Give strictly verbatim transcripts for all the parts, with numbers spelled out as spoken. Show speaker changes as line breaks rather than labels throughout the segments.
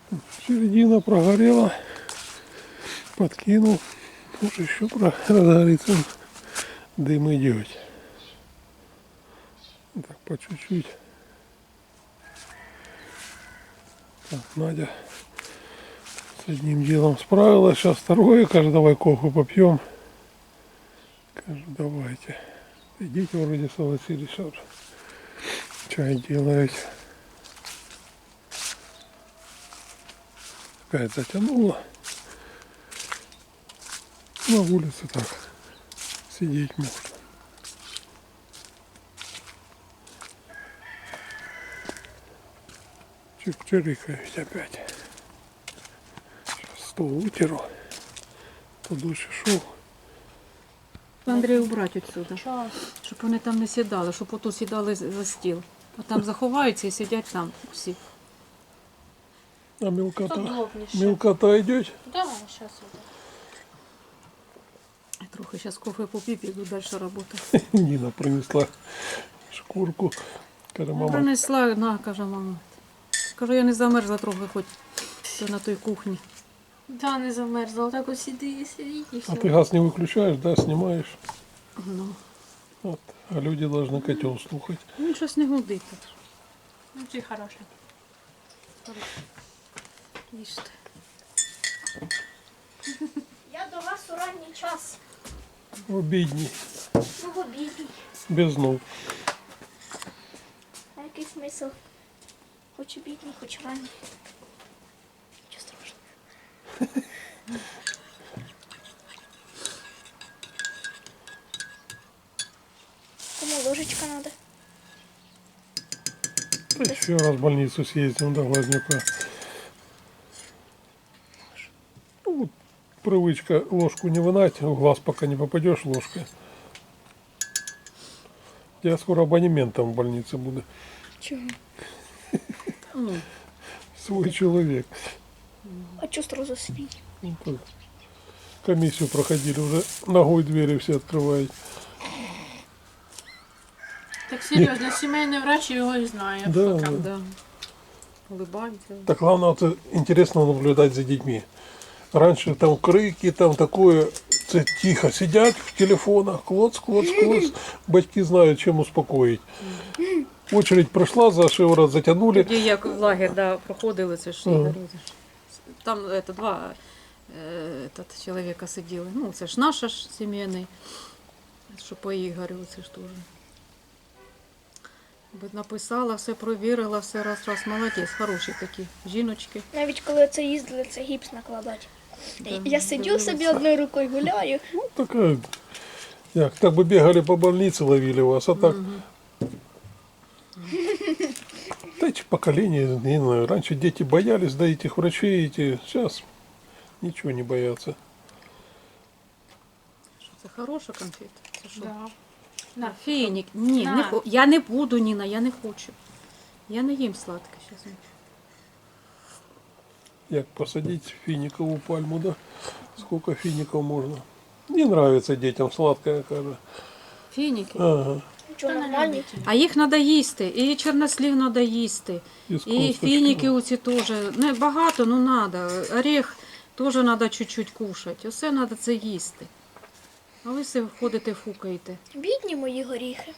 Середина прогорела. Подкинул. Может еще разгорится. Дым идет. Так, по чуть-чуть. Так, Надя с одним делом справилась. Сейчас второе. Кажется, давай кофе попьем. Кажется, давайте. Идите, вроде согласились, что чай делать. Опять затянуло. На улице так сидеть можно. Чик-чирикают опять. Сейчас стол вытеру. То дольше шел.
Андрій убрати відсюди, щоб вони там не сідали, щоб отут сідали за стіл. А там заховаються і сидять там всі.
А мелкота?
Удобніше.
Мелкота идет?
Да, сейчас иду.
Трохи зараз кофе попів, піду далі працювати.
Нина принесла шкурку. Каже, мама,
Принесла, на, каже мама. Кажу, я не замерзла трохи, хоч то на той кухні.
Да, не замерзла. Так ось сиди і сидіть і все.
а ты газ не выключаешь, да, снимаешь?
Ну,
Вот. А люди должны котел слухать.
він щось не гудить.
Ну, ти хороша.
Їжте.
Я до вас у ранній час.
В обідній,
Ну, в обідній.
без ног.
А який смисл? Хоч обідній, хоч ранній. Нічого страшного. Кому ложечка надо?
Да еще раз в больницу съездим до Глазнюка. Ну, вот привычка ложку не вынать, в глаз пока не попадешь ложкой. Я скоро абонементом в больнице буду.
Чого?
Ну,
Свой человек.
А чого сразу свій?
Ну, так. Комиссию проходили, уже ногой двери все открывают.
Так серйозно, сімейний врач його і знає.
Да,
Хто
да.
там.
да. Улибається.
Так главное, вот, интересно наблюдать за детьми. Раньше там крики, там такое, це тихо сидят в телефонах, клоц, клоц, клоц. Батьки знают, чем успокоить. Очередь пройшла, за шиворот затянули.
Тоді як в лагер да, проходили, це ж
Ага.
Ігор, це ж. Там это, два е, этот, чоловіка сиділи. Ну, це ж наш ж сімейний, що по Ігорю, це ж теж. Би написала, все провірила, все раз, раз, молодець, хороші такі жіночки.
Навіть коли це їздили, це гіпс накладати.
Да,
Я сидю
дивилася.
собі одною рукою гуляю.
Ну, такая, як, так бы бегали по больнице, ловили вас, а так... Да эти поколения, не знаю, раньше дети боялись, да, этих врачей, эти, сейчас ничего не боятся.
Що це хороша конфета? Це що?
Да.
На.
На.
Фінік. Ні,
На.
не хо... я не буду, Ніна, я не хочу. Я не їм сладке зараз.
Як посадить финиковую пальму, да? Сколько фиников можно? Не нравится детям сладкое, кажется.
Фініки.
Ага.
Нічого
Хто
нормальні.
не любить?
А їх треба їсти. І чорнослів треба їсти.
И, с
І
косточками.
фініки оці теж. Не багато, ну треба. Орех теж треба чуть-чуть кушати. Усе треба це їсти. А ви все ходите, фукаєте.
Бідні мої горіхи.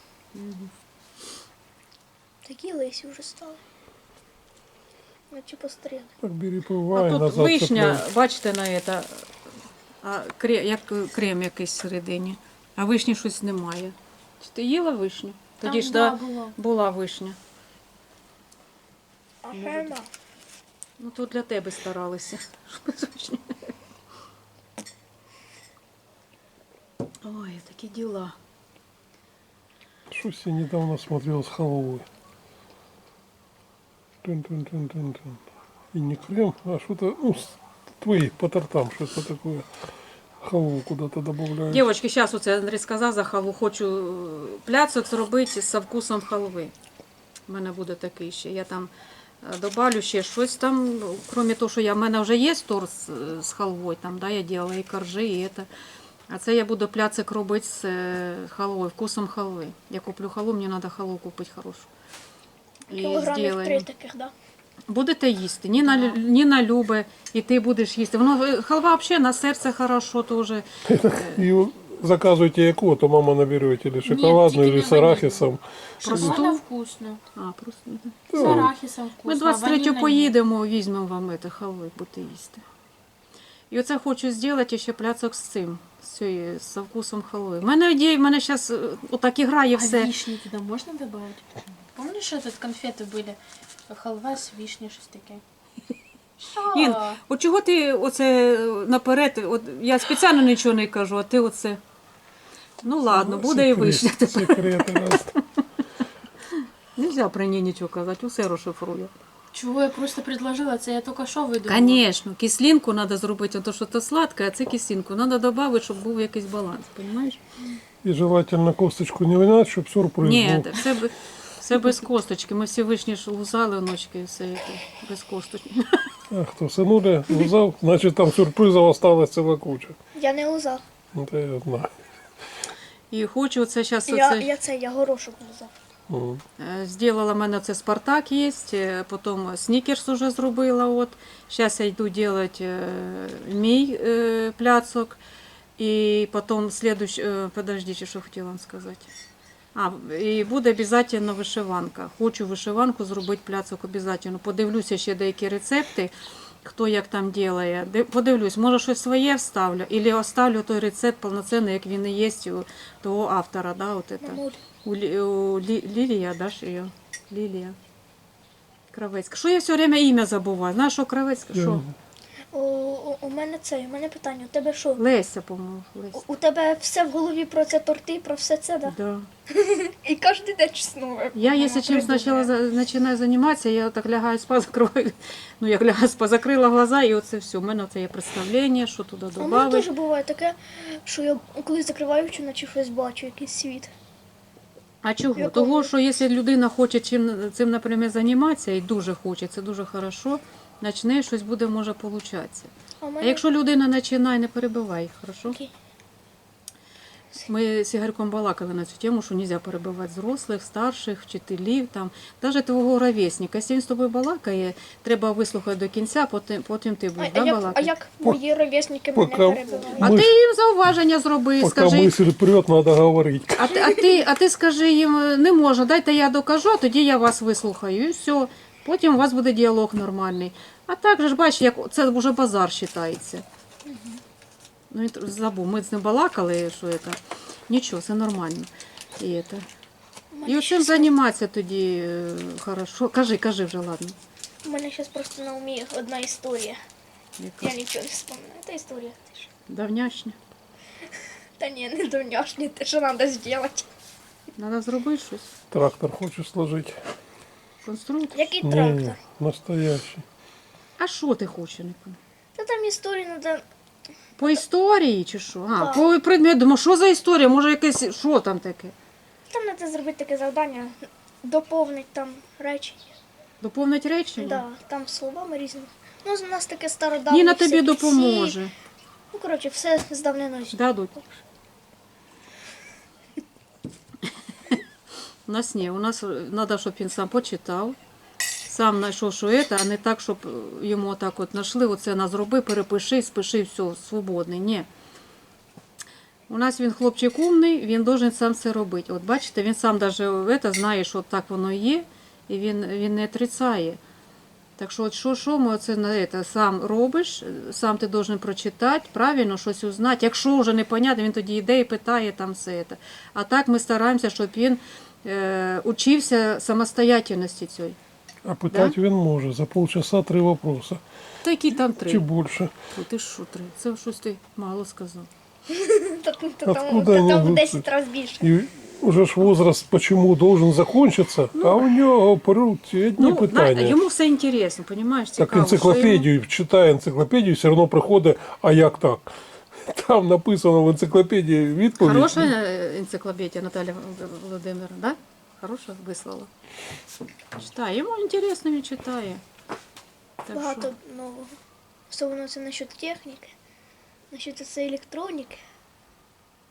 Такі лисі вже стали. Наче постріли.
Так бери,
А
пивай,
тут
назад
вишня,
цепляй.
бачите на це, а, крем, як крем якийсь всередині. А вишні щось немає. Чи ти їла вишню? Тоді
Там,
ж
да,
да,
було.
була вишня.
А ферма.
Ну тут для тебе старалися. Ой, такі діла.
Что-то я недавно смотрел с халвой. Тун-тун-тун-тун-тун. И не крем, а что-то, ну, с- твои по тортам что-то такое. Халву куда-то добавляют.
Дівчатки, зараз оце Андрій сказав за халву. Хочу е, пляцок зробити з вкусом халви. У мене буде такий ще. Я там е, добавлю ще щось там, крім того, що я, в мене вже є торт з, з халвою, там, да, я робила і коржи, і це. А це я буду пляцик робити з е, халвою, вкусом халви. Я куплю халву, мені треба халву купити хорошу. І
Кілограмів три
зроблю.
таких, да?
Будете їсти. Ніна, лю- Ніна любить, і ти будеш їсти. Воно е, халва взагалі на серце хорошо теж.
И заказывайте яку, то мама наберет или шоколадную,
тільки
или
не
с арахисом.
Просту?
Вона вкусно.
А, просто. да.
З арахісом вкусно.
Ми двадцять третього
ванільна ні.
поїдемо, візьмемо вам це халви, будете їсти. І оце хочу зробити ще пляцок з цим, з цією, з вкусом халви. У мене ідея, в мене зараз отак і грає
А
все.
вишні туди можна додати? Помниш, що тут конфети були? Халва з вишні, щось таке.
Ін,
Що?
от чого ти оце наперед, от я спеціально нічого не кажу, а ти оце. Ну ладно, буде і вишня.
Секреты раз.
Нельзя про неї нічого казати, усе розшифрує.
Чого я просто предложила, це я тільки що видумала.
Звісно, кислинку треба зробити, то що це сладке, а це кислинку. Треба додати, щоб був якийсь баланс, розумієш?
И желательно косточку не вынять, чтобы сюрприз
Ні,
был.
все, б- все без косточки. Ми всі вишні ж лузали вночки, все це, без косточки.
А кто сынуля лузал, значит там сюрпризов осталась целая куча.
Я не лузав.
Это я знаю.
І хочу оце зараз
Я,
оце,
я це, я горошок лузав.
М.
е, зробила, в мене це Спартак є, е, потім снікерс уже зробила. От. Зараз я йду робити е, мій е, пляцок. І потім слідуч... е, подождіть, що хотіла вам сказати. А, і буде обов'язково вишиванка. Хочу вишиванку зробити пляцок обов'язково. Подивлюся ще деякі рецепти, хто як там робить. Де- Подивлюсь, може щось своє вставлю, або оставлю той рецепт повноцінний, як він і є у того автора. Да, от это.
Мамуль.
У, Лі- у Лі- Лілія, да, ж її? Лілія. Кравецька. Що я все время ім'я забуваю? Знаєш, що Кравецька? Що?
У, у, у мене це, у мене питання, у тебе що?
Леся, по-моєму. Леся.
У, у тебе все в голові про це торти, про все це, да?
Да.
І кожен день щось нове.
Я,
Мама
если чем
придумає.
сначала за- начинаю заниматься, я так лягаю спать, закрываю, ну я лягаю спать, закрила глаза, і оце все. У мене це є представлення, що туди
А у мене теж
додати.
буває таке, що я коли закриваю очі, наче щось бачу, якийсь світ.
А чого?
Якого?
Того, що якщо людина хоче чим, цим, наприклад, займатися, і дуже хоче, це дуже хорошо, почне, щось буде, може, получатися.
А у
А
мене
якщо людина починає, не перебивай їх, хорошо?
Окей.
Ми з Ігорьком балакали на цю тему, що не можна перебивати зрослих, старших, вчителів, там, навіть твого ровесника. Якщо він з тобою балакає, треба вислухати до кінця, потім, потім ти
а,
будеш
а,
да,
як, а
балакати.
як мої ровесники мене
пока-
перебивають?
А
Ми
ти
ж-
їм зауваження зроби,
Пока
скажи.
мысль прет, надо говорить.
А ти, а, ти, а ти скажи їм, не можна, дайте я докажу, а тоді я вас вислухаю. І все. Потім у вас буде діалог нормальний. А так же ж бачиш, як це вже базар вважається. Ну, він тр- забув, ми з ним балакали, що це. Нічого, все нормально. І, це.
У мене
І оцим
щас-
займатися тоді е, хорошо. Кажи, кажи вже, ладно.
У мене зараз просто на умі одна історія.
Яка?
Я нічого не вспоминаю. Це історія. теж.
Давняшня.
Та ні, не давняшні, те, що треба зробити.
Треба зробити щось.
Трактор хочешь сложить?
Конструктор.
Який
Не,
трактор?
настоящий.
А що ти хочеш? Не пам'ятаю?
Та там історія треба.
По історії чи що? А,
Так.
по предмету. Думаю, що за історія? Може якесь, що там таке?
Там треба зробити таке завдання, доповнити там речення.
Доповнить речення?
Да, там словами різними. Ну, у нас таке стародавнє.
Ніна тобі
всякі
допоможе.
ці- Ну, коротше, все з давниною.
Дадуть. У нас ні, у нас треба, щоб він сам почитав, сам знайшов, що це, а не так, щоб йому так от знайшли, оце на зроби, перепиши, спиши, все, свободний. Ні. У нас він хлопчик умний, він должен сам це робити. От бачите, він сам навіть це знає, що так воно є, і він, він не отрицає. Так що, от що, що ми оце на це сам робиш, сам ти должен прочитати, правильно щось узнати. Якщо вже непонятно, він тоді йде і питає там все це. А так ми стараємося, щоб він е, учився самостоятельності цієї.
А пытать він може. За полчаса три вопроса.
Та які там три?
Чи більше.
О, ти що три? Це щось ти мало сказав.
Та, та, та, там,
Откуда
та,
они
там в
будут?
десять разів більше.
І уже ж возраст почему должен закончиться, а у нього пруть одні
Ну,
питання.
знаєте, йому все інтересно, розумієш?
Так енциклопедію, читає енциклопедію, все одно приходить, а як так? Там написано в енциклопедії відповідь.
Хороша е, енциклопедія Наталя Володимира, да? Хороша вислала. Читає, йому інтересно, він читає. Так
Багато
що,
нового. Особливо це насчет техніки, насчет цієї електроніки.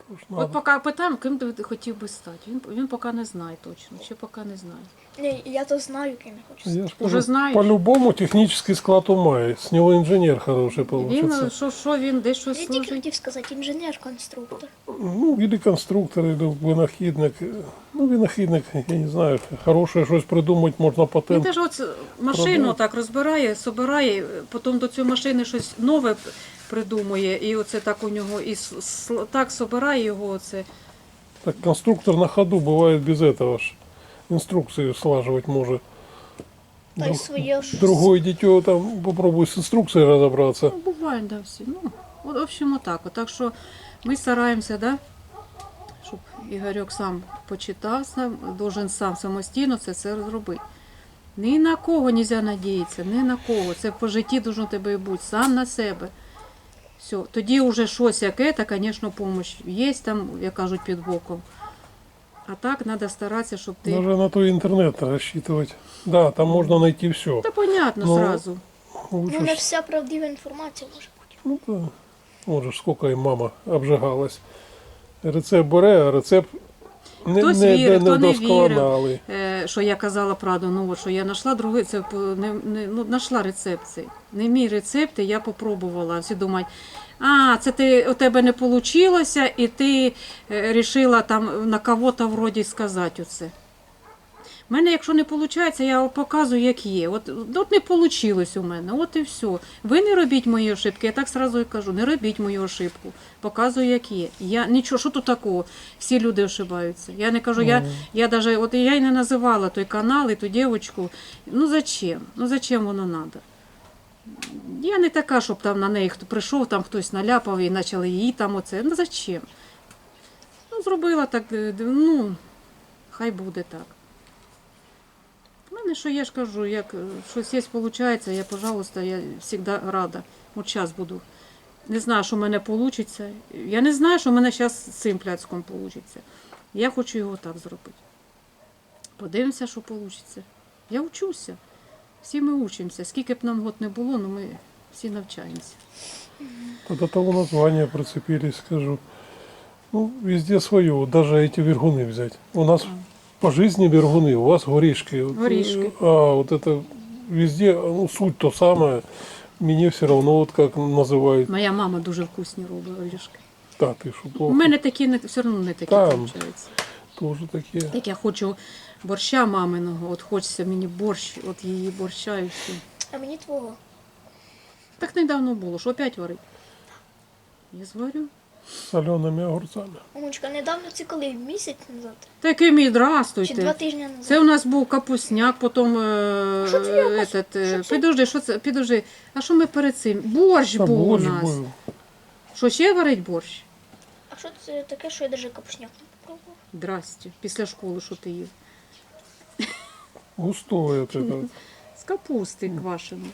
Тож
От
надо.
поки питаємо, ким ти хотів би стати. Він, він поки не знає точно, ще поки не знає.
Ні, я то знаю, ким я хочу стати.
Я ж
Уже
кажу,
знаєш?
по-любому технический склад ума, есть. С него инженер хороший
Він,
получится.
що, що він, десь щось
Я тільки
служить.
хотів сказати, інженер-конструктор.
Ну, или конструктор, или винахідник. Ну, винахідник, я не знаю, хороше щось придумати, можна
Він
патент.
теж от машину
Продав.
так розбирає, собирає, потім до цієї машини щось нове придумує, і оце так у нього, і с- с- так собирає його оце.
Так конструктор на ходу бывает без этого ж. Инструкцию слаживать может.
Та й
Друг-
своє ж.
Другое дитё там попробуй с инструкцией разобраться.
Ну, буває, да, всі. Ну, от, в общем, отак. От. Так що ми стараємося, да, щоб Ігорьок сам почитав, сам, должен сам самостійно це все зробити. Ні на кого не можна надіятися, ні на кого. Це по житті должно тебе і бути, сам на себе. Все. Тоді вже щось яке, та, звісно, допомога є там, як кажуть, під боком. А так треба старатися, щоб ти...
Даже на то интернет рассчитывать. Да, там можно найти все.
Та понятно
Ну,
сразу.
Лучше
Ну, не
ж-
вся правдива інформація може бути.
ну, да. Вот же ж сколько и мама обжигалась. Рецепт бере, а рецепт не,
Хтось
не,
вірив,
не
хто не
вдосконалий.
Е, що я казала правду, ну от, що я знайшла другий, це по- не, не, ну, знайшла рецепт цей. Не мій рецепт, і я попробувала. Всі думають, а, це ти, у тебе не вийшло, і ти вирішила там на кого-то вроді сказати оце. У мене, якщо не виходить, я показую, як є. От, от не вийшло у мене, от і все. Ви не робіть мої ошибки, я так одразу і кажу, не робіть мою ошибку. Показую, як є. Я нічого, що тут такого? Всі люди ошибаються. Я не кажу, я, я даже, от я й не називала той канал і ту дівчинку. Ну зачем? Ну зачем воно треба? Я не така, щоб там на неї хто прийшов, там хтось наляпав і почали її там оце. Ну зачем? Ну, зробила так, ну, хай буде так. У мене, що я ж кажу, як е, щось є, виходить, я, пожалуйста, я завжди рада. От зараз буду. Не знаю, що в мене вийде. Я не знаю, що в мене зараз з цим пляцком вийде. Я хочу його так зробити. Подивимося, що вийде. Я вчуся. Всі ми учимося. Скільки б нам год не було, але ми всі навчаємося.
До того названия прицепились, скажу. Ну, везде свое, вот даже эти вергуны взять. У нас по жизни вергуны, у вас горишки. Вот,
Горішки.
А вот это везде, ну, суть то самое. Мне все равно, вот как называют.
Моя мама дуже вкусні робить орішки.
Да, ты что,
У
плохо.
мене такі не, все одно не такі
Там.
виходить.
Тоже такие.
Як я хочу борща маминого, от хочеться мені борщ, от її борща і все.
А мені твого.
Так недавно було, що опять варить? Я зварю.
С солеными огурцами.
Мамочка, недавно це коли? Місяць назад?
Такий мій,
Чи два
здрастуйте.
тижні назад?
Це у нас був капусняк, потім е,
Що це якось?
этот, е,
Що це?
підожди, що це? Підожди. А що ми перед цим? Борщ
Там
був у
борщ
нас.
был.
Що ще варить борщ?
А що це таке, що я навіть капушняк не попробував?
Здрасте. Після школи що ти їв?
Густой вот это.
З капусти квашеної.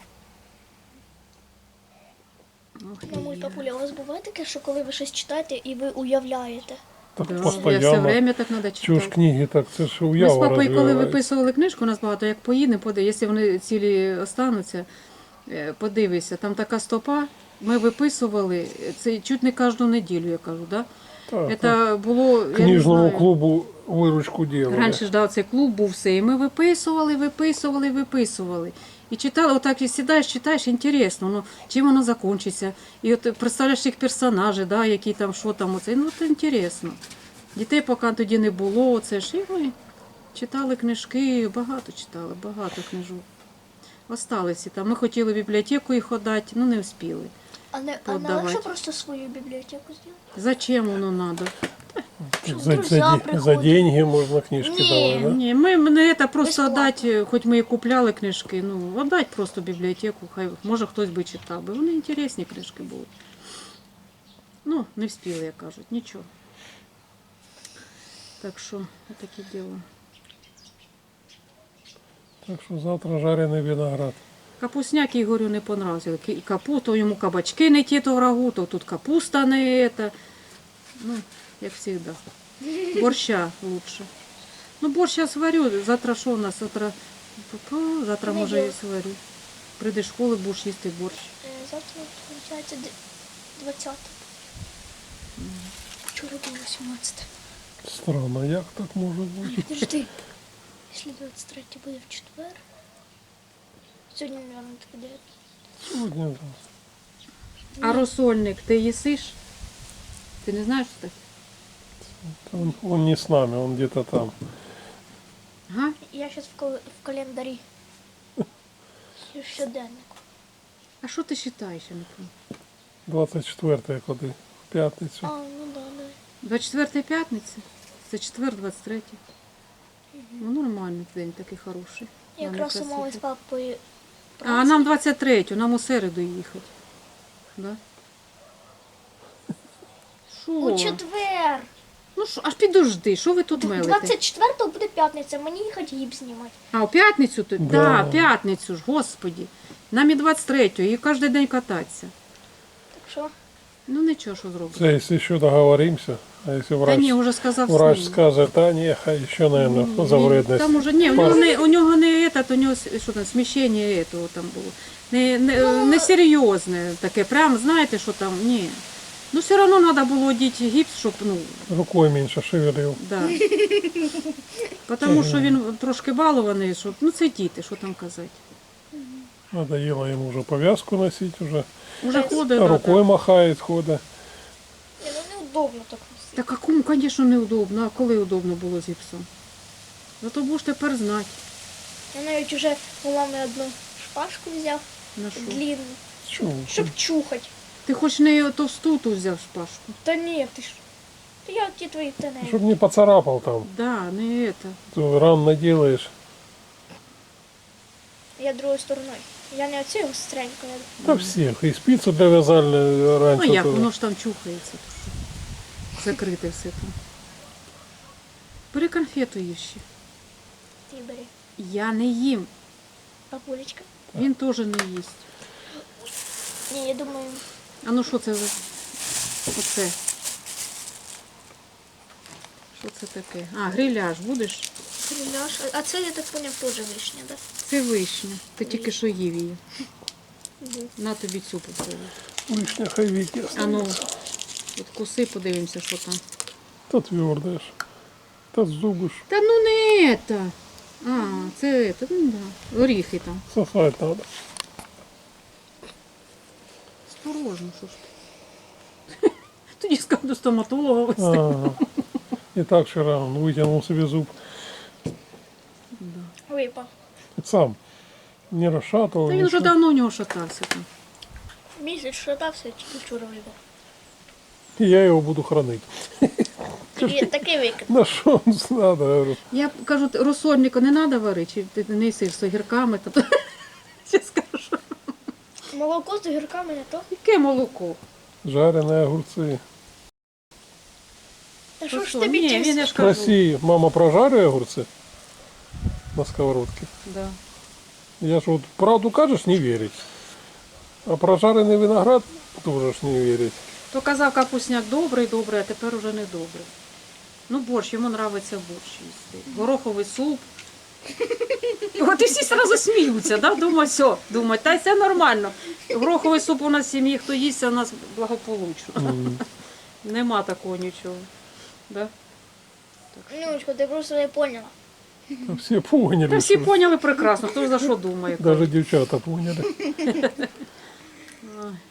Ох, ти
Мамуль,
я.
папуля, у вас буває таке, що коли ви щось читаєте і ви уявляєте?
Так
Да, я все
постоянно.
время так треба
Чего ж
читати.
книги так, це ж
Ми з
уява
папою, коли
розвивається.
виписували книжку, у нас багато, як поїдемо, поди, якщо вони цілі остануться, е, подивися, там така стопа, ми виписували, це чуть не кожну неділю, я кажу, да?
Так,
Це було, я не
книжному
знаю.
клубу виручку делали.
Раніше ж дав цей клуб, був все, і ми виписували, виписували, виписували. І читали, отак і сідаєш, читаєш, інтересно, ну, чим воно закінчиться. І от представляєш їх персонажі, да, які там, що там, оце, ну, це інтересно. Дітей поки тоді не було, оце ж, і ми читали книжки, багато читали, багато книжок. Осталися там. Ми хотіли в бібліотеку їх віддати, ну не встигли.
А не, а не
Подавати.
легше просто свою бібліотеку зробити?
Зачем воно треба?
Щоб
За, за,
друзі
де- за
приходять.
деньги можна книжки
Ні.
давати, да?
Ні, ми не це просто
Безплатно.
віддати, хоч ми і купляли книжки, ну, віддати просто в бібліотеку, хай, може хтось би читав би. Вони інтересні книжки були. Ну, не встигли, як кажуть, нічого. Так що, таке діло.
Так що завтра жарений виноград.
Капусняк Ігорю не понравився. Ки- Капу, то йому кабачки не ті, то врагу, то тут капуста не ета. Ну, як завжди. Борща лучше. Ну, борщ я сварю. Завтра що у нас? Завтра, Пу-пу, завтра може і
Понеділок.
сварю. Прийди з школи, будеш їсти борщ.
Е, Завтра, виходить, двадцяте. вчора було вісімнадцяте.
Странно, як так може бути?
Подожди. Якщо двадцять третє буде в четвер. Сьогодні, мабуть, таке дев'яте.
Сьогодні.
А розсольник ти їсиш? Ти не знаєш, що таке?
Он, он не с нами, он где-то там.
Ага.
Я зараз в, кал- в календарі. І в щоденнику.
А що ти вважаєш, я не пам'ятаю?
двадцять четверте коли? В п'ятницю.
А, ну да, да.
двадцять четверта п'ятниця? Це четвер, двадцять третє. Ну, нормальний день, такий хороший.
Я
Нам
якраз
якраз
умовилась з
їхати.
папою.
А нам двадцять третє, нам у середу їхати. Да?
У
Що?
четвер.
Ну що, аж підожди, що ви тут мелите?
двадцять четвертого буде п'ятниця, мені їхати гіп знімати.
А, у п'ятницю ти?
Да.
Да, п'ятницю ж, господі. Нам і двадцять третього, і кожен день кататися.
Так що?
Ну нічого, що зробити.
Це якщо ще договоримося, а якщо
Та
врач,
ні, вже сказав
врач
свій.
скаже, та ні, хай ще, мабуть, за
Ні,
вредність.
Там уже, ні, у нього не, у нього не этот, у нього с- що там, сміщення этого там було. Не, не, не серйозне таке, прям, знаєте, що там, ні. Ну, все одно треба було одіти гіпс, щоб, ну,
Рукою менше шевелив.
да. Тому що він трошки балований, щоб, ну, це діти, що там казати.
Надоело ему уже повязку носить, уже
Уже ходить, да,
рукой
так.
махает, ходит.
Ні, ну неудобно так носити.
Та какому, звісно, неудобно. А коли удобно було з гіпсом? Зато будеш тепер знати,
Я навіть уже у мами одну шпажку взяв,
на що.
длинну,
Чего?
щоб чухати.
Ти хоч не товсту ту взяв шпажку.
Та ні, ти ж. Та я ті твої теней.
Чтоб не поцарапал там.
Да, не это.
То ран наделаешь.
Я другою стороною. Я не оцю гостренько. Я...
Да всех. И спицу для вязальной раньше.
Ну як,
тоже.
воно ж там чухається. то що. Закрите все там. Бери конфету їж ще.
Ти бери.
Я не їм.
Папулечка.
Він теж не їсть.
Ні, я думаю,
А ну що це за... Оце. Що це таке? А, гриляш будеш?
гриляш. А- А це, я так поняв, теж вишня, так?
Це вишня. Ти тільки що їв її.
Да?
На тобі цю попробуй.
Лишня хайвики
А ну,
останется.
от куси, подивимося, що там.
То твердое ж. То зубы ж.
Та ну не это. А, це это, ну да. Оріхи там.
Сосать надо.
Осторожно, що ж ти. Тоді скажу до стоматолога вести.
Ага. И так вчера он вытянул себе зуб.
Випав.
Сам. Не расшатывал.
Та він вже
ничего.
давно у нього шатався там.
Місяць шатався, тільки вчора випав.
И я его буду хранить.
Такий, такий викид.
На что он надо? Говорю.
Я кажу, розсольника не треба варити, чи ти не їсиш з огірками, та то я скажу.
Молоко з огірками не то.
Яке молоко?
Жареные огурцы.
Та що ж
Що?
тобі
Ні,
ті
він я ж кажу.
России мама прожарила огурцы на сковородке.
Да.
Я ж вот правду кажешь, не верить. А прожаренный виноград тоже ж не верить.
То казав, капусняк добрий, добрий, а тепер уже не добрий. Ну, борщ, йому подобається борщ їсти. Гороховий суп. І от і всі одразу сміються, да? Думаю, все, думаю, та й це нормально. Гороховий суп у нас в сім'ї, хто їсть, у нас благополучно.
М.
Нема такого нічого. Да?
Нюнечко, ти просто не поняла.
Та Все поняли.
Та всі
что-
поняли прекрасно, хто ж за що думає.
Даже девчата поняли.
Ой.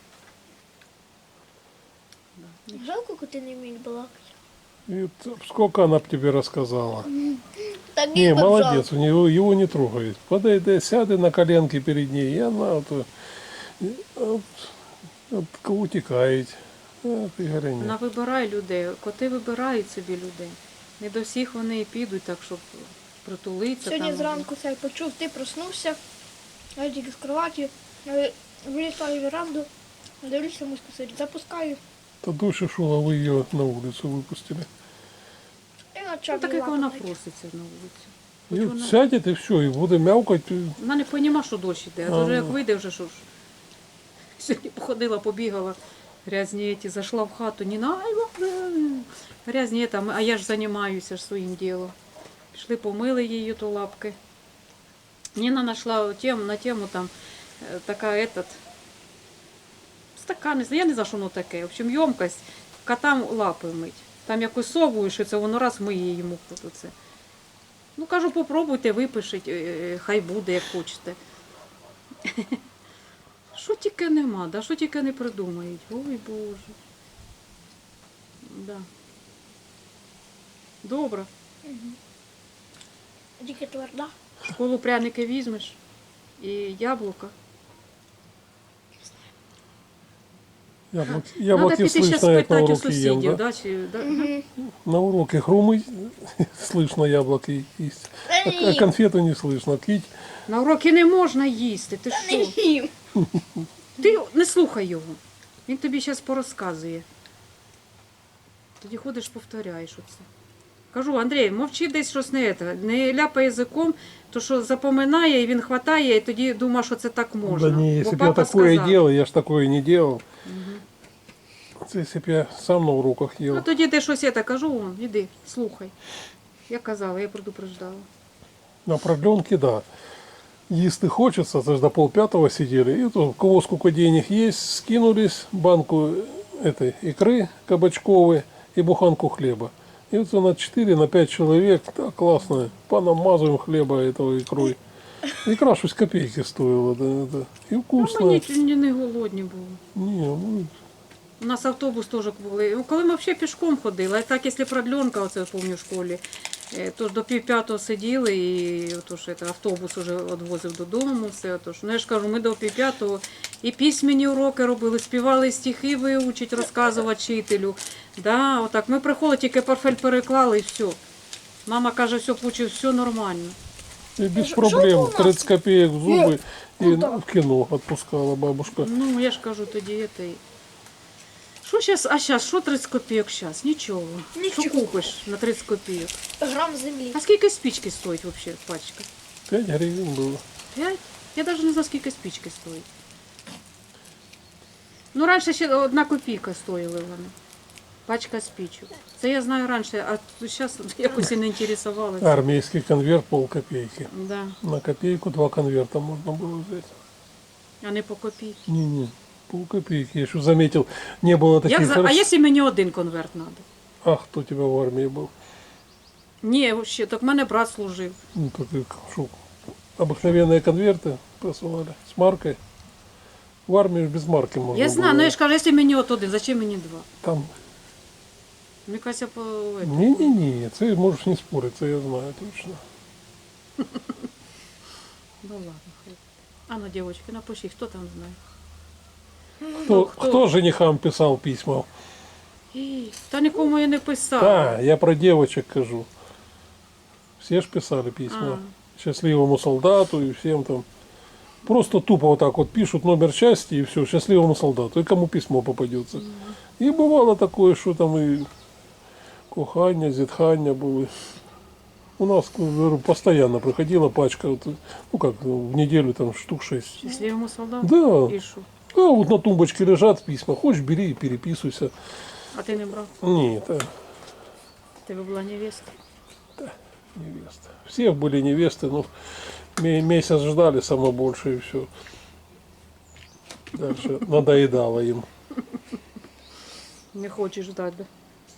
Жалко, коли ти не вмієш балакати.
И т- сколько она б тебе рассказала.
Так
Не,
і от
молодец,
жалко.
у него, его не трогает. Подойди, сяды на коленки перед ней, и она вот, э, от, от, утекает. А ты говори,
Вона
нет.
вибирає людей, коти вибирають собі людей. Не до всіх вони і підуть, так щоб притулитися.
Сьогодні
там.
зранку цей почув, ти проснувся, я тільки з кроваті, е, вилітаю в веранду, дивлюся, мишка сидить, запускаю.
То дольше шла, вы ее на улицу выпустили.
І почав
Ну, так як вона
лапати.
проситься на вулицю.
И
Хоч
вот
вона,
сядет, и все, и буде мявкать.
вона не розуміє, що дощ іде, а то вже як
Ага.
вийде, вже що ж. Сьогодні походила, побігала, грязні ті, зайшла в хату, не на грязні там, а я ж займаюся ж своїм ділом. Пішли, помили її то лапки. Ніна знайшла тему, на тему там е, така этот, стакан, не знаю, я не знаю, що воно таке. В общем, ємкость, котам лапи мить. Там якось совую, що це воно раз миє йому тут оце. Ну, кажу, попробуйте, випишіть, е, хай буде, як хочете. Що тільки нема, да? Що тільки не придумають. Ой, Боже. Да. Добре.
Тільки тверда.
В школу пряники візьмеш і яблука.
Яблоки,
Надо
яблоки
піти ще
слышно, як на
спитати у
уроки ем,
сусідів,
да?
да? Чи, да?
На уроке хрумый, слышно яблоки есть. А, а конфеты не слышно. Кить,
На уроки не можна їсти. Ти
Не
що?
їм.
Ти не слухай його. Він тобі зараз порозказує. Тоді ходиш, повторяєш оце. Кажу, Андрій, мовчи десь щось не це, не ляпай язиком, то що запоминає, і він хватає, і тоді думає, що це так можна.
да не, если
Бо
бы я
папа
такое
сказав.
делал, я ж такое не делал. Это если бы я сам на уроках ел.
Ну тоді ти щось я так кажу, вон, іди, слухай. Я казала, я предупреждала.
На продленке, да. Если хочется, это ж до полпятого сидели. И то, у кого сколько денег есть, скинулись банку этой икры кабачковой и буханку хлеба. И вот на четыре, на пять человек, так классно, понамазываем хлеба этого икрой. Икра шесть копейки стоила, да, да. И
Ну,
вкусно.
мені ні- не голодні були.
Не, ну,
У нас автобус теж були. Ну, коли ми взагалі пішком ходили, а так, якщо продленка, оце я пам'ятаю в школі, е, то ж до пів п'ятого сиділи, і отож, це, автобус вже відвозив додому. Все, отож. Ну, я ж кажу, ми до пів п'ятого і письменні уроки робили, співали стихи виучити, розказувати вчителю. Да, отак. Ми приходили, тільки портфель переклали і все. Мама каже, все, Пучі, все нормально.
и без
Ж-
проблем,
что у нас?
тридцать копеек в зубы и
куда?
в кино отпускала бабушка.
Ну, я ж кажу, тоді це. й- Що зараз, а зараз, що тридцять копійок зараз? Нічого.
Нічого.
Що купиш на тридцять копійок?
Грам землі.
А скільки спички стоїть взагалі пачка?
Пять гривен было.
П'ять? Я навіть не знаю, скільки спички стоїть. Ну, раніше ще одна копійка стоїли вони. Пачка спичок. Це я знаю раніше, а зараз якось і не інтересувалася.
Армейский конверт полкопейки.
Да.
На копейку два конверта можно было взять.
А не по копійці.
Не-не, полкопейки. Я еще заметил, не было таких...
Як за... А
рас-
якщо мені один конверт треба?
А кто у тебя в армии был?
Ні, ще, так в мене брат служив.
Ну, так и шо, обыкновенные конверты посылали с маркой. В армии ж без марки можно
Я знаю,
было.
ну я ж кажу, якщо мені от один, зачем мені два?
Там...
Мені кажеться, по... это.
Не-не-не, ты можешь не спорить, это я знаю точно.
Ну ладно, хай. А ну, девочки, напишіть, хто там знає.
Кто,
кто?
кто женихам писал письма?
Ій, Та нікому я не писала.
Да, я про девочек кажу. Все ж писали письма. Счастливому солдату и всем там. Просто тупо вот так вот пишут номер части и все, счастливому солдату. И кому письмо попадется. И бывало такое, что там и кохання, зітхання були. У нас говорю, постоянно приходила пачка, вот, ну как, в неделю там штук шесть.
Щасливому солдату?
Да.
І що?
А вот на тумбочке лежат письма. Хочешь, бери и переписывайся.
А ти не брав?
Нет, а,
Тебе була невестка?
невеста. Все были невесты, но ме- месяц ждали самое больше и все. Дальше надоедало им.
Не хочеш ждати, да?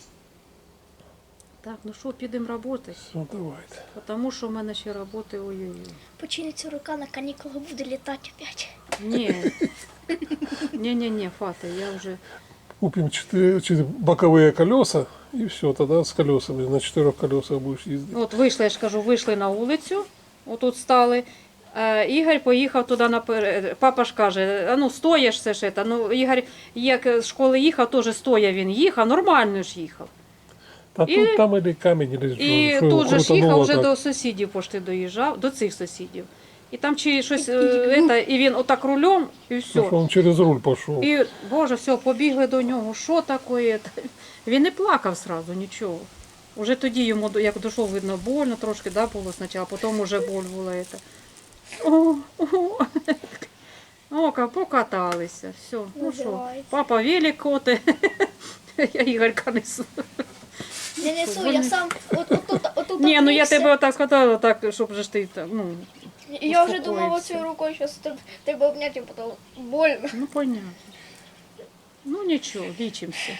Так, ну що, підемо працювати?
Все, давайте.
Тому що в мене ще роботи, ой-ой-ой.
Починиться рука на канікулах буде літати опять.
Ні. Ні-ні-ні, Фата, я вже...
Купим четыре, четыре боковые колеса и все, тогда с колесами на четырех колесах будешь ездить.
От вийшли, я ж кажу, вийшли на вулицю, отут стали. Е, Ігор поїхав туди наперед. Папа ж каже, а ну стоїш все ж це. Ну, Ігор, як з школи їхав, теж стоя він їхав, нормально ж їхав.
А
И-
тут там или камень, или
І
что, его
тут же ж
крутануло
їхав вже
так.
до сусідів, пошти доїжджав, до цих сусідів. І там чи щось, е, это, і він отак рулем, і
Ну,
все.
что он через руль пошел.
І, Боже, все, побігли до нього, що таке? Він не плакав сразу, нічого. Уже тоді йому, до- як дійшов, видно, больно трошки, да, було спочатку, а потім уже боль була. Это. О, о, о, ка- покаталися, все. Ну що,
Називається.
папа велик коти, я Ігорка несу.
Не несу, я сам от, отут, отут
Ні, ну я
обвівся.
тебе отак сказала, так, щоб же ж ти, так, ну,
І я вже думала
успокоївся.
цією рукою, що тебе, тебе обняти, а потім больно.
ну понятно. Ну нічого, лічимося.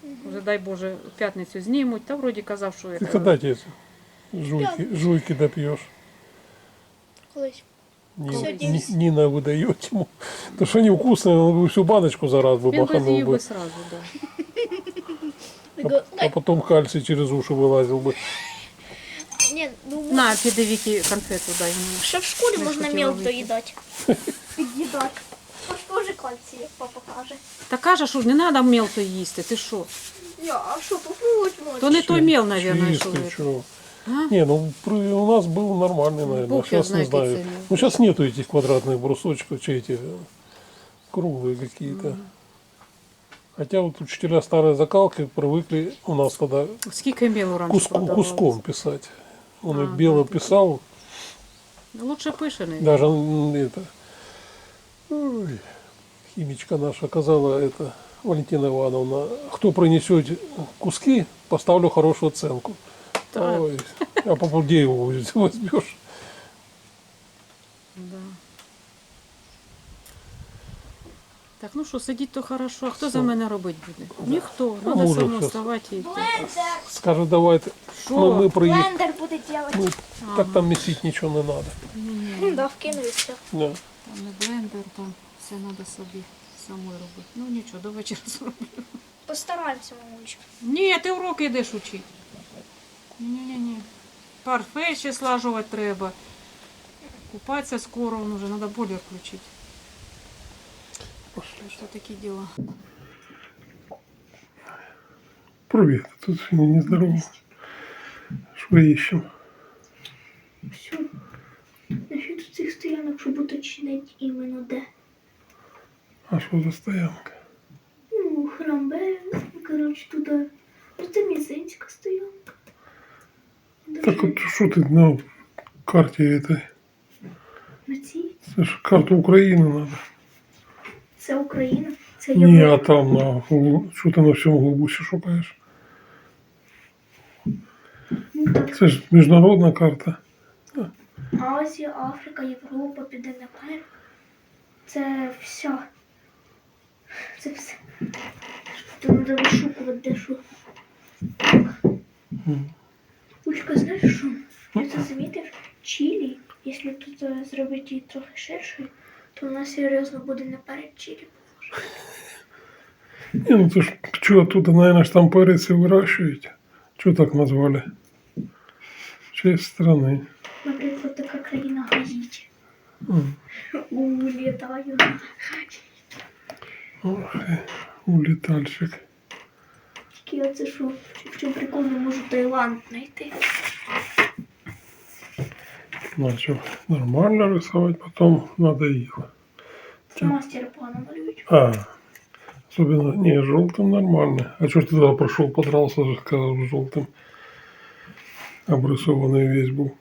Вже дай Боже, в п'ятницю знімуть, та вроді казав, що
Ты
це.
когда эти жуйки, жуйки допьешь?
Колись.
Нина,
Сегодня
Ни-
есть.
Нина выдает ему. То, что они вкусные, он бы всю баночку за раз бы
Він би
баханул
з'їв
бы.
би сразу, да.
Такой,
А потом кальций через уши вылазил бы.
Ні, ну
На, піди Вікі конфету дай мені.
ще в школі
Не
можна
хотіла
мел
вийти.
доїдати. Під'їдати. Ось теж кальцій, як папа каже.
Та каже, що не треба мел то їсти, ти що?
Я, а що, попробувати можна?
То не той мел, мабуть,
Чистый,
що.
чё.
А?
Не, ну при- у нас был нормальный, наверное.
Бог его
Сейчас не
знает,
знаю.
какие цены.
Ну сейчас нету этих квадратных брусочков, че эти э, круглые какие-то. Хотя вот учителя старой закалки привыкли у нас тогда
Скільки мелу раніше
куску,
продавалось?
куском писать. Он
А,
и бело
да, да.
писал,
Лучше пишений.
даже м, это, ой, химичка наша сказала, это, Валентина Ивановна, кто принесет куски, поставлю хорошую оценку.
Так.
Ой, а по где его возьмешь?
Да. Так, ну що, сидіть то хорошо, а хто за мене робити буде? Ніхто.
Ну,
Треба
уже
самому
щас.
вставати і йти.
Блендер.
Скажет, давай, ты-
Що?
мы, мы приедем.
Блендер буде робити.
Ну, так там месить ничего не надо.
Ні-ні,
Да, вкину і все.
Да.
там не блендер, там все треба собі самою робити. Ну нічого, до вечора зроблю.
Постараємося, мамулечка.
Ні, ти уроки йдеш учити. Ні-ні-ні. Парфе ще слажувати треба. Купатися скоро, он уже, треба бойлер включити.
Пошли.
Що такі діла?
Привет, тут сегодня нездорово. Что ищем?
Все. Насчет цих стоянок, щоб уточнити іменно де.
А что за стоянка?
Ну, храмбе, коротше, туди. Ну, це мізинська стоянка.
Так вот, что ты на карте этой?
На цій.
Это ж карту Украины надо.
Це Україна. Це
Не, а
Європа.
там на что ты на всем глубоке шукаешь?
Ну, так.
Это ж международная карта.
Азія, Африка, Європа, Південна Америка. Це все. Це все. Тут треба вишукувати, де що.
М.
Учка, знаєш що? Я це замітив? Чилі, якщо тут е, зробити її трохи ширшою, то вона серйозно буде наперед Чилі.
Не, ну ты ж что оттуда, наверное, ж там перец и выращиваете. Что так назвали? В честь страны.
Наприклад, така країна Гаїті.
М.
Улітаю на Гаїті.
Ох, и улетальщик.
Тільки оце що, в чому прикол, не можу Таїланд знайти.
Начал нормально рисовать, потом надоело.
Це мастер погано малюють.
А, особенно, не, желтым нормально. А что ж ты туда прошел, подрался, же, сказал, желтым. Обрисованный весь был.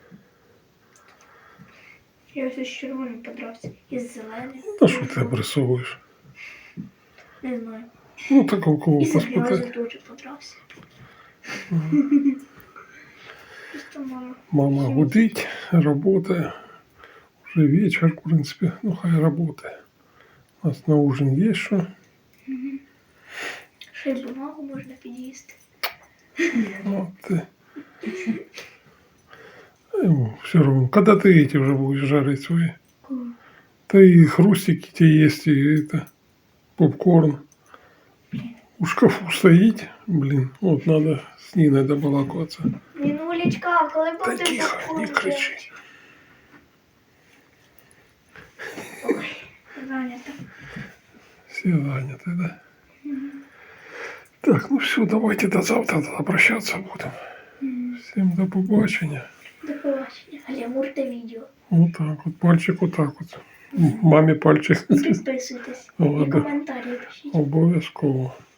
Я ось з червоним подрався. І з зеленим.
Да что ты обрисовываешь?
Не знаю.
Ну, так у кого
І з
поспитать.
грязю теж подрався. Просто мама.
Мама гудит, работая. Уже вечер, в принципе. Ну, хай работает. У нас на ужин есть что.
Ще й бумагу можна під'їсти.
Вот ты. Все равно. Когда ты эти уже будешь жарить свои?
Коли?
Да и хрустики те есть, и это, попкорн. У шкафу стоит. Блин, вот надо с Ниной добалакиваться.
Мінулечка, коли
Да
будете
тихо,
попкорн
не кричи.
делать? Ой, занято.
Все заняты, да? Так, ну все, давайте до завтра тогда прощаться будем. Всем до побачення.
До побачення. Алямур та відео.
Вот так вот, пальчик вот так вот. Маме пальчик.
І підписуйтесь. І
Ладно.
коментарі пишіть.
Обов'язково.